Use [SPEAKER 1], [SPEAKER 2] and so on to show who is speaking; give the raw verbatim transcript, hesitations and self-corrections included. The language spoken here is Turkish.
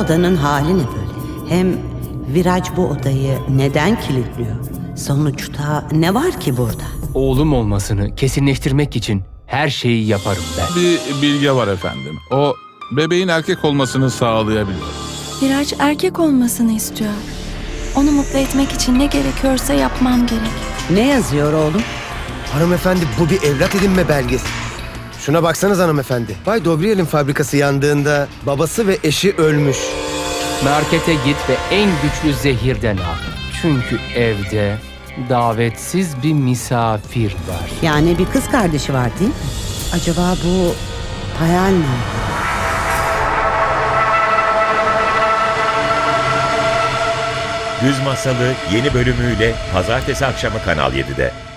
[SPEAKER 1] odanın hali ne böyle? Hem Viraj bu odayı neden kilitliyor? Sonuçta ne var ki burada?
[SPEAKER 2] Oğlum olmasını kesinleştirmek için her şeyi yaparım ben.
[SPEAKER 3] Bir bilge var efendim. O bebeğin erkek olmasını sağlayabilir.
[SPEAKER 4] Viraj erkek olmasını istiyor. Onu mutlu etmek için ne gerekiyorsa yapmam gerek.
[SPEAKER 1] Ne yazıyor oğlum?
[SPEAKER 5] Hanımefendi, bu bir evlat edinme belgesi. Şuna baksanız hanımefendi. Bay Dobriel'in fabrikası yandığında babası ve eşi ölmüş.
[SPEAKER 2] Markete git ve en güçlü zehirden al. Çünkü evde davetsiz bir misafir var.
[SPEAKER 1] Yani bir kız kardeşi var değil mi? Acaba bu hayal mi?
[SPEAKER 6] Güz Masalı yeni bölümüyle pazartesi akşamı Kanal yedide.